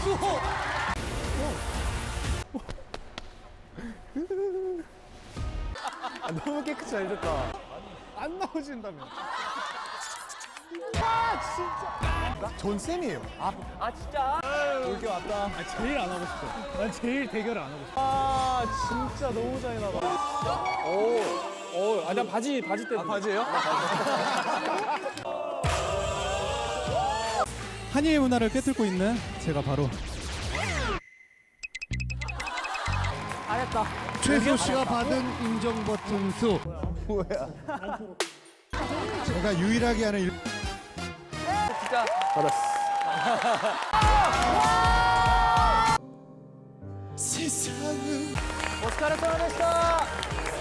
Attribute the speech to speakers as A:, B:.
A: 너무 깨끗이 잘 됐다. 안 나오신다며. 아 진짜. 전 쌤이에요.
B: 아 진짜?
A: 올게 왔다. 제일 안 하고 싶어. 난 제일 대결을 안 하고 싶어. 아 진짜 너무 잔인하다.
B: 난 바지 때문에.
A: 아 바지예요?
C: 한일 문화를 꿰뚫고 있는 제가 바로
B: 잘했다.
C: 최수 씨가 받은 인정 버튼 수.
A: 뭐야?
C: 제가 유일하게 하는 일.
B: 진짜.
C: 세상은
B: 오스카르 소나데시타.